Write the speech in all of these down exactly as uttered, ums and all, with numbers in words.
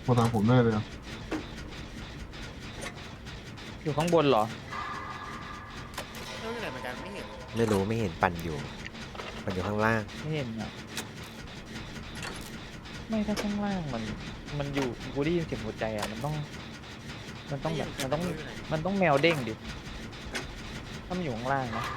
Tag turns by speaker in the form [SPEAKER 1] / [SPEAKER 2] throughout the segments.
[SPEAKER 1] มาทางผมแน่เลยอะ
[SPEAKER 2] อยู่ข้างบนเหรอ
[SPEAKER 3] เรื่องไหนเหมือนกันไม่เห็น
[SPEAKER 4] ไม่รู้ไม่เห็นปั่นอยู่ปั่นอยู่ข้างล่าง
[SPEAKER 2] ไม่เห็นอ่ะไม่ถ้าข้างล่างมันมันอยู่กูได้ยินเสียงหัวใจอ่ะมันต้อง มันต้องแบบมันต้องมันต้องแมวเด้งดิถ้ามันอยู่ข้างล่างนะ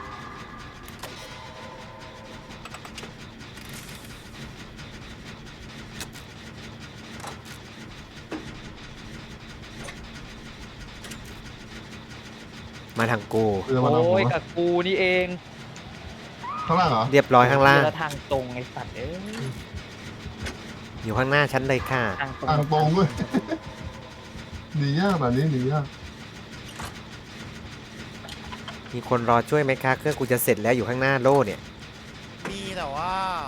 [SPEAKER 4] มาทางกู
[SPEAKER 1] เรือมาทางผม
[SPEAKER 2] โอ้ย
[SPEAKER 1] อะ
[SPEAKER 2] กับกูนี่เอง
[SPEAKER 1] ข้างล่างเหรอ
[SPEAKER 4] เรียบร้อยข้างล่าง
[SPEAKER 2] เรือทางตรงไอ้สัตว์เอ้ย
[SPEAKER 4] อยู่ข้างหน้าฉันเลยค่ะ
[SPEAKER 2] ทางตรง
[SPEAKER 1] ทางตรงด้วย หนียากแบบนี้หนียาก
[SPEAKER 4] มีคนรอช่วยไหมคะเครื่องกูจะเสร็จแล้วอยู่ข้างหน้าโล่เนี่ย
[SPEAKER 3] มีแต่ว่า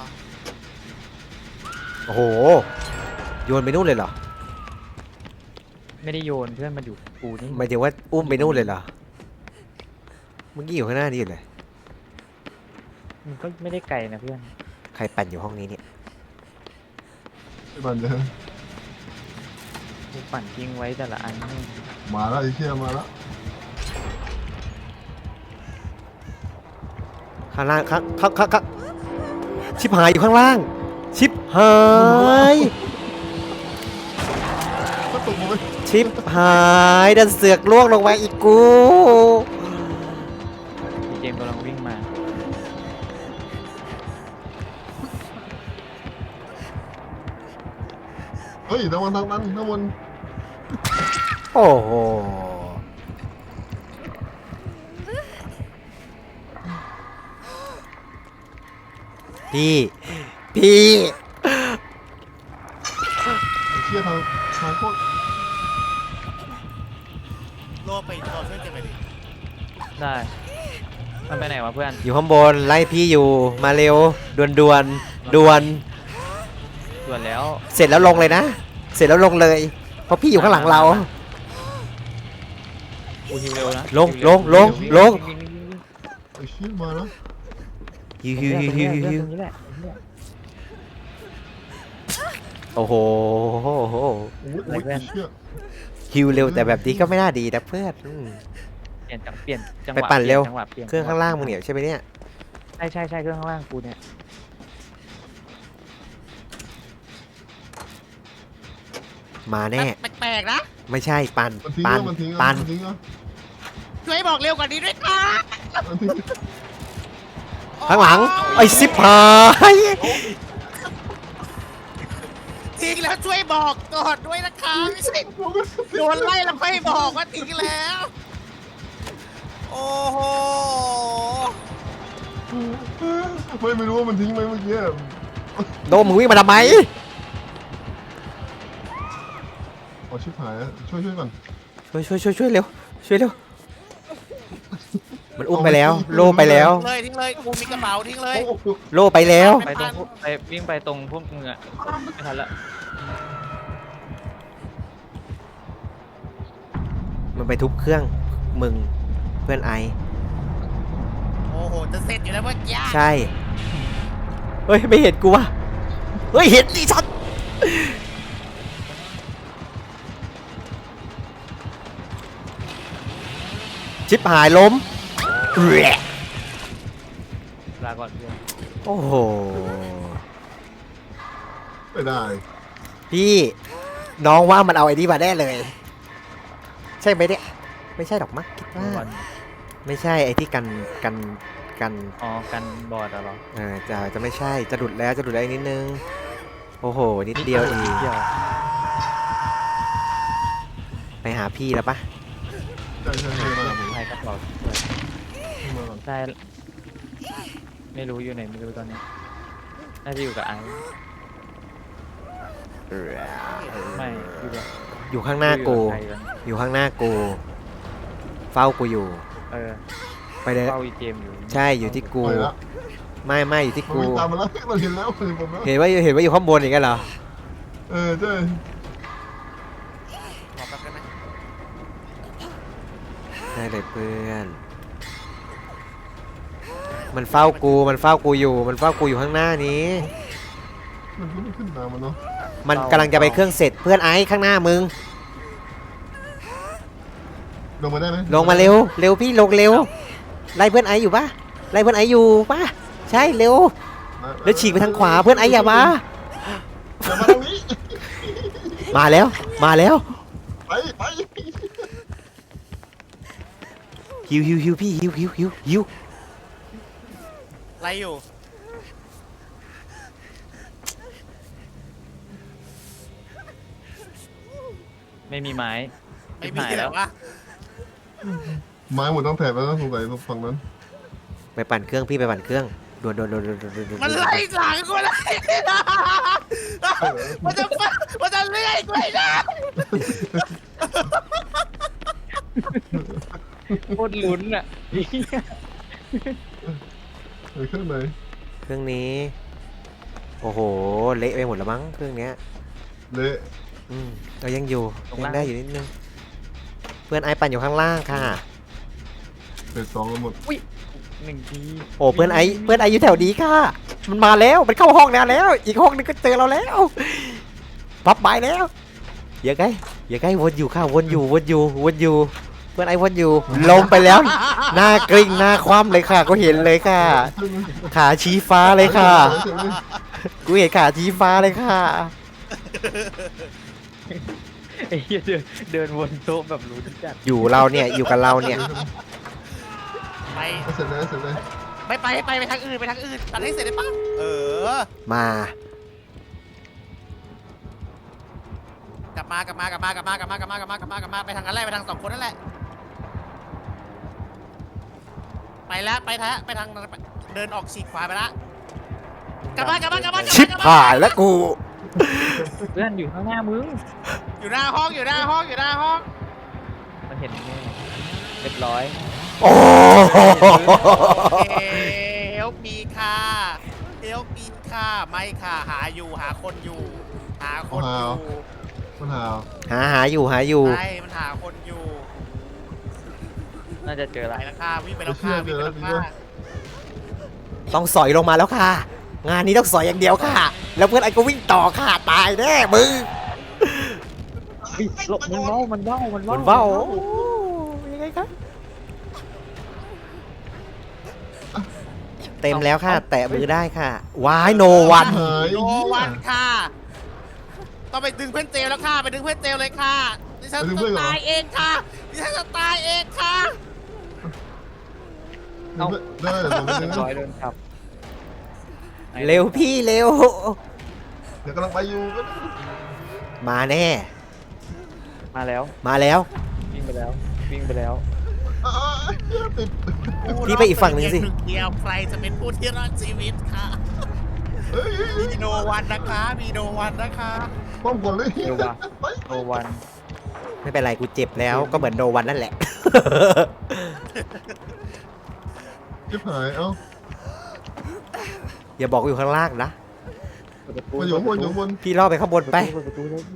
[SPEAKER 4] โอ้โหโยนไปนู่นเลยเหรอ
[SPEAKER 2] ไม่ได้โยนเพื่อนมันอยู่กูนี่
[SPEAKER 4] หมายถึงว่าอุ้มไปนู่นเลยเหรอเมื่อกี้อยู่ข้างหน้านี่อยู่เลย
[SPEAKER 2] มันก็ไม่ได้ไกลนะเพื่อน
[SPEAKER 4] ใครปั่นอยู่ห้องนี้เนี่ย
[SPEAKER 1] ไอ้บันเดอ
[SPEAKER 2] กูปั่นทิ้งไว้แต่ละอันนี่
[SPEAKER 1] มาแล้วไอ้เชี่ยมาแล้ว
[SPEAKER 4] ข้างล่างข้างข้างข้างข้างชิบหายอยู่ข้างล่าง ชิบหาย
[SPEAKER 1] ก็ตกมาไป
[SPEAKER 4] ชิบหายดันเสือกล่วงลงมาอีกกู
[SPEAKER 2] มีเกมกำลังวิ่งมา
[SPEAKER 1] เฮ้ยน้ำมันทางนั้นน้ำมัน
[SPEAKER 4] โอ้โหพี่พี่
[SPEAKER 1] ไอ้เชี่ยทางทางโคตร
[SPEAKER 3] โลไปรอช่วยเก็บไปดิ
[SPEAKER 2] ได้ มันไปไหนวะเพื่อน
[SPEAKER 4] อยู่ข้างบนไล่พี่อยู่มาเร็วดวนดวนดวน
[SPEAKER 2] ส่วนแล้ว
[SPEAKER 4] เสร็จแล้วลงเลยนะ เสร็จแล้วลงเลย เพราะพี่อยู่ข้างหลังเรา
[SPEAKER 2] กูฮิวเร็วนะ
[SPEAKER 4] ลง
[SPEAKER 2] ฮิวเร็ว
[SPEAKER 4] ลงลง
[SPEAKER 2] วิ่วิ่วิ่งวิ่งวิ่ง
[SPEAKER 1] ไอ้เชี่ยมาแล้ว
[SPEAKER 4] ฮิวฮิวฮิวฮิวฮิวฮิว
[SPEAKER 2] ตรงนี้แหละตรงนี้แหละ
[SPEAKER 4] โอ้โห
[SPEAKER 1] โอ้ยโอ้ยไอ้เชี่ย
[SPEAKER 4] ฮิวเร็วแต่แบบนี้ก็ไม่น่าดีนะเพื่อนอืม
[SPEAKER 2] เปลี่ยนจังเปลี่ยนจังห
[SPEAKER 4] ไป
[SPEAKER 2] วะ
[SPEAKER 4] ปั่นเร็ว
[SPEAKER 2] ปลี่ยจังหะปลี่ยน
[SPEAKER 4] เครื่องข้างล่างมึงเนี่ยใช่ไหมเนี่ย
[SPEAKER 2] ใช่ใช่ใช่เครื่องข้างล่างกูเนี่ย
[SPEAKER 4] มาแน่
[SPEAKER 3] แปลกๆนะ
[SPEAKER 4] ไม่ใช่ปัน
[SPEAKER 1] มันทิ้ง
[SPEAKER 4] ปัน
[SPEAKER 1] แล้วมันทิ้งแล้ว
[SPEAKER 4] ปัน
[SPEAKER 1] มันทิ้งแล้ว
[SPEAKER 3] ช่วยบอกเร็วกว่านี้ด้วยค่ะ
[SPEAKER 1] มันทิ้ง
[SPEAKER 4] ข้างหลังไอ้สิบหาย
[SPEAKER 3] ทิ้งแล้วช่วยบอกก่อนด้วยนะคะไม่ใช่โดนไล่แล้วไม่บอกว่าทิ้งแล้ว โอ้โห
[SPEAKER 1] ไม่ไม่รู้ว่ามันทิ้งไหมเมื่อกี้
[SPEAKER 4] โดมมึงวิ่งมาทำไม
[SPEAKER 1] โอ้ชิบหายแล้วช่วยช่วยก่อน
[SPEAKER 4] ช่วยช่วยช่วยช่วยเร็วช่วยเร็วมันอุ้มไปแล้ว โลไปแล้ว
[SPEAKER 3] เลยทิ้งเลยกูมีกระเป๋าทิ้งเลย
[SPEAKER 1] โอ้โห
[SPEAKER 4] โลไปแล้ว
[SPEAKER 2] ไปตรงพวกไปวิ่งไปตรงพวกมึงอะไม่ทันละ
[SPEAKER 4] มันไปทุบเครื่องมึงเพื่อนไอ
[SPEAKER 3] โอ้โหจะเสร็จอยู่แล้วเมื่อกี้
[SPEAKER 4] ใช่ เฮ้ย ไม่เห็นกูวะเฮ้ย เห็นดิชัดชิบหายล้มแหละ
[SPEAKER 2] ลาก่อนเพื่อน
[SPEAKER 4] โอ้โห
[SPEAKER 1] ไม่ได้
[SPEAKER 4] พี่ น้องว่ามันเอาไอ้นี่มาแน่เลย ใช่ไหมเนี่ย ไม่ใช่หรอกมั้งคิดว่า
[SPEAKER 2] ก่อน
[SPEAKER 4] ไม่ใช่ไอ้ที่กันกันกัน
[SPEAKER 2] อ๋อกันบอร์ดอะเหรอ
[SPEAKER 4] เออจะจะไม่ใช่จะดุดแล้วจะดุดแล้วอีกนิดนึง โอ้โห นิดเดียวเอง
[SPEAKER 2] เดียว
[SPEAKER 4] ไปหาพี่แล้วปะ
[SPEAKER 1] ใช่ใช่ใช่มาผม
[SPEAKER 2] ใครกระเป๋า
[SPEAKER 1] มาก่อน
[SPEAKER 2] ได้ไม่รู้อยู่ไหนไม่รู้ตอนนี้น่าจะอยู่กับไอซ์ไม่อยู่กับ
[SPEAKER 4] อยู่ข้างหน้ากู
[SPEAKER 2] อยู่บใครกัน
[SPEAKER 4] อยู่ข้างหน้ากู เฝ้ากูอยู่
[SPEAKER 2] เออ
[SPEAKER 4] ไปเลย
[SPEAKER 2] เฝ้าอีเจมอยู่
[SPEAKER 4] ใช่อยู่ที่กู
[SPEAKER 1] ไปแล้ว
[SPEAKER 4] ไม่ไม่อยู่ที่
[SPEAKER 1] มัน
[SPEAKER 4] กู
[SPEAKER 1] วิ่งตามมาแล้วมันเห็นแล้วมันเห็นผมแล้ว
[SPEAKER 4] เห็นว่าเห็นว่าอยู่ข้างบนอย่างเงี้ยเหรอ
[SPEAKER 1] เออใช่
[SPEAKER 3] ขอแป๊บได้ไหม
[SPEAKER 4] ได้เลยเพื่อน มันเฝ้ากูมันเฝ้ากูอยู่ มันเฝ้ากูอยู่ข้างหน้านี้
[SPEAKER 1] มันก็ไม่ขึ้นมามันเนาะ
[SPEAKER 4] มันกำลังจะไปเครื่องเสร็จเพื่อนไอ้ข้างหน้ามึง
[SPEAKER 1] ลงมาได้ไหม
[SPEAKER 4] ลงมาเร็วเร็วพี่ลงเร็วไล่เพื่อนไอ้อยู่ปะไล่เพื่อนไอ้อยู่ปะใช่เร็วแล้วฉีกไปทางขวาเพื่อนไอ้อย่ามา
[SPEAKER 1] อย่ามาตรงนี้
[SPEAKER 4] มาแล้วมาแล้ว
[SPEAKER 1] ไปไป
[SPEAKER 4] ฮิวฮิวฮิวพี่ฮิวฮิวฮิวฮิว
[SPEAKER 3] ไรอยู่
[SPEAKER 2] ไม่มีไม้
[SPEAKER 3] ไม่มี
[SPEAKER 2] หาย
[SPEAKER 3] แล้
[SPEAKER 2] แล้ว ว
[SPEAKER 3] วะ
[SPEAKER 1] ไม้หมดต้องแถบแล้วต้องสงสัยฝั่งนั้น
[SPEAKER 4] ไปปั่นเครื่องพี่ไปปั่นเครื่องด่วนด่วนด่วนด่วนด่วนด่วน
[SPEAKER 3] มันไล่หลังกูเลยมันจะมันจะเลื่อยกูเลยนะ
[SPEAKER 2] โคตรลุ้นอ่ะ
[SPEAKER 1] เออขึ้นไหน
[SPEAKER 4] เครื่องนี้โอ้โหเละไปหมดแล้วมั้งเครื่องเนี้ย
[SPEAKER 1] เละ
[SPEAKER 4] อืมเรายังอยู่ยังได้อยู่นิดนึงเพื่อนไอ้ปั่นอยู่ข้างล่างค่ะ
[SPEAKER 1] เสร็จสองกันหมด
[SPEAKER 2] หนึ่งที
[SPEAKER 4] โอ้เพื่อนไอ้เพื่อนไอ้อยู่แถวนี้ค่ะ มันมาแล้วมันเข้าห้องแล้วแล้ว อีกห้องนึงก็เจอเราแล้วพับใบแล้วอย่าใกล้อย่าใกล้วนอยู่ค่ะวนอยู่วนอยู่วนอยู่ เพื่อนไอ้วนอยู่ลมไปแล้ว หน้ากลิ้งหน้าคว่ำเลยค่ะก็เห็นเลยค่ะ ขาชี้ฟ้าเลยค่ะกูเห็นขาชี้ฟ้าเลยค่ะ
[SPEAKER 2] ไอ้เหี้ยเดินเดินวนโต๊ะแบบลุ้นจัด
[SPEAKER 4] อยู่เราเนี่ยอยู่กับเราเนี่ย
[SPEAKER 3] ไป
[SPEAKER 1] เสร็จแล้วเสร็จแล้ว
[SPEAKER 3] ไปไปไปไปทางอื่นไปทางอื่นตัดให้เสร็จได้ปะเออ
[SPEAKER 4] มา
[SPEAKER 3] กลับมากลับมากลับมากลับมากลับมากลับมากลับมากลับมากลับมาไปทางนั้นแหละไปทางสองคนนั่นแหละไปแล้วไปทางไปทางเดินออกฉีกขวาไปละกลับมากลับมากลับมากลับมา
[SPEAKER 4] ชิบหายแล้วกู
[SPEAKER 2] เพื่อนอยู่ข้างหน้ามึง
[SPEAKER 3] อยู่หน้าห้องอยู่หน้าห้องอยู่หน้าห้อง
[SPEAKER 2] มันเห็นแน่เรียบร้อย
[SPEAKER 4] โอ้
[SPEAKER 3] เฮลปีค่ะเฮลปีค่ะไม่ค่ะหาอยู่หาคนอยู่ หาคนอยู่
[SPEAKER 1] มันหาว
[SPEAKER 4] หาหาอยู่หาอยู่
[SPEAKER 3] ใช่มันหาคนอยู่
[SPEAKER 2] น่าจะเจอ
[SPEAKER 3] ไป
[SPEAKER 2] ละ
[SPEAKER 3] แล้วค่ะวิ่งไปแล้วค่ะวิ่งไปแล้วค่ะ
[SPEAKER 4] ต้องสอยลงมาแล้วค่ะ งานนี้ต้องสอยอย่างเดียวค่ะ แล้วเพื่อนไอ้ก็วิ่งต่อค่ะตายแน่มึง
[SPEAKER 2] เฮ้ยหลบมันเบ้ามันเบ้ามัน
[SPEAKER 4] มั
[SPEAKER 2] เบ้าน
[SPEAKER 4] เบ้าโอ้ยังไงครับเต็มแล้วค่ะ แตะมือได้ค่ะวายโนวัน
[SPEAKER 1] หาย
[SPEAKER 3] โนวันค่ะต้องไปดึงเพื่อนเจลแล้วค่ะไปดึงเพื่อนเจลเลยค่ะดิฉันจะตายเองค่ะดิฉันจะตายเองค่ะ
[SPEAKER 1] ได้เดี๋ยวผม
[SPEAKER 2] เรียบร้อย
[SPEAKER 1] เ
[SPEAKER 2] เดินขับ
[SPEAKER 4] เร็วพี่เร็ว
[SPEAKER 1] ดี๋ยวกำลังไปอยู่ก็
[SPEAKER 4] มาแน่
[SPEAKER 2] มาแล้ว
[SPEAKER 4] มาแล้ว
[SPEAKER 2] วิ่งไปแล้ววิ่งไปแล้ว
[SPEAKER 1] ติด
[SPEAKER 4] พี่ไปอีกฝั่งหนึ่งสิ
[SPEAKER 3] ผู้รอดเดียวใครจะเป็นผู้ที่รอดชีวิตค่ะมีโนวันนะคะมีโนวันนะคะ
[SPEAKER 1] ป้อมก่อนเลย
[SPEAKER 2] เร็วว่ะ
[SPEAKER 1] ไป
[SPEAKER 2] โนวัน
[SPEAKER 4] ไม่เป็นไรกูเจ็บแล้วก็เหมือนโนวันนั่นแหละ
[SPEAKER 1] ชิบหายเอ้า
[SPEAKER 4] อย่าบอกว่าอยู่ข้างล่างนะ
[SPEAKER 2] เปิดประตู
[SPEAKER 1] มาอยู่ข้างบนอยู่ข้างบน
[SPEAKER 4] พี่ล่อไปข้างบนไป
[SPEAKER 2] เปิดประตูเลย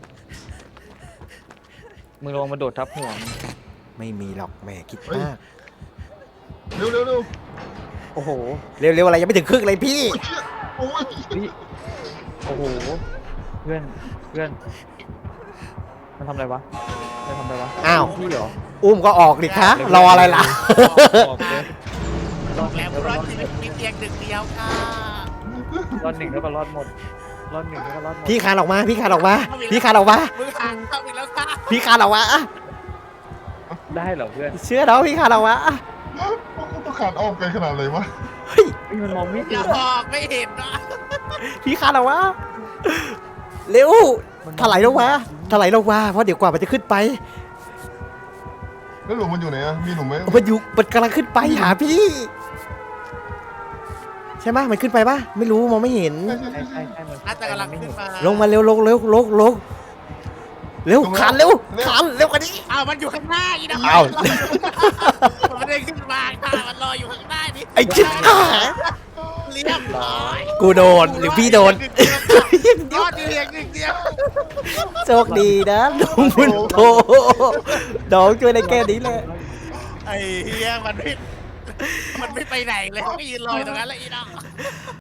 [SPEAKER 2] มึงลงมาโดดทับหัวมัน
[SPEAKER 4] ไม่มีหรอกแหมคิดมาก
[SPEAKER 1] เร็วเร็วเร็ว
[SPEAKER 2] โอ้โห
[SPEAKER 4] เร็วๆอะไรยังไม่ถึงครึ่งเลยพี่
[SPEAKER 1] โอ้ย
[SPEAKER 2] นี่โอ้โหเพื่อนเพื่อนมันทำอะไรวะมันทำอะไรวะ
[SPEAKER 4] อ้าว
[SPEAKER 2] พี่เหรอ
[SPEAKER 4] อุ้มก็ออกดิคะรออะไรล่ะ
[SPEAKER 2] ออกเลย
[SPEAKER 3] บอกแล้วผู้รอดชีวิตมีเพียงหนึ่งเดียวค่ะ
[SPEAKER 2] รอดหนึ่งแล้วก็รอดหมดรอดหนึ่งแล้วก็รอดหมด
[SPEAKER 4] พี่คานออกมา พี่คานออกมา พี่คานออกมา
[SPEAKER 3] มือห่างเข้าไปแล้วค่ะ
[SPEAKER 4] พี่คานออกมาอ่ะ
[SPEAKER 2] ได้เหรอเพื่อน
[SPEAKER 4] เชื่อเราพี่คานออกมาอ่ะ
[SPEAKER 1] ต้องขาดอ้อมไกลขนาดเลยวะ
[SPEAKER 4] เฮ้ย
[SPEAKER 2] เฮ้ยมันมองไม่
[SPEAKER 3] อ
[SPEAKER 2] เห็
[SPEAKER 3] ย่าน บอกไม่เห็นนะ
[SPEAKER 4] พี่คานออกมาเร็วถลายลงมาถลายลงมาเพราะเดี๋ยวกว่ามันจะขึ้นไป
[SPEAKER 1] แล้วหลุมมันอยู่ไหนอะมีหลุมไหม
[SPEAKER 4] มันอยู่มันกำลังขึ้นไปหาพี่ ใช่ไหมมันขึ้นไปปะไม่รู้มองไม่เห็น
[SPEAKER 2] ใช่ใช่ใช่มัน
[SPEAKER 3] น่าจะกำลังขึ้นมา
[SPEAKER 4] ลงมาเร็วลงเร็วลงลงเร็วคานเร็วคานเร็วกว่านี้
[SPEAKER 3] อ้าวมันอยู่ข้างหน้าอีนะ
[SPEAKER 4] อ้าว
[SPEAKER 3] มันได้ขึ้นมาค่ะมันรออยู่ข้างหน้านี่
[SPEAKER 4] ไอ้ชิบหาย
[SPEAKER 3] เรียบร้อย
[SPEAKER 4] กูโดนหรือพี่โดน
[SPEAKER 3] ยอดเพียงหนึ่งเดียว
[SPEAKER 4] โชคดีนะน้องบุญโตน้องช่วยได้แค่นี้แหละ
[SPEAKER 3] ไอ้เฮียมันไม่มันไม่ไปไหนเลยมันก็ยืนรออยู่ตรงนั้นแหละอีน้อง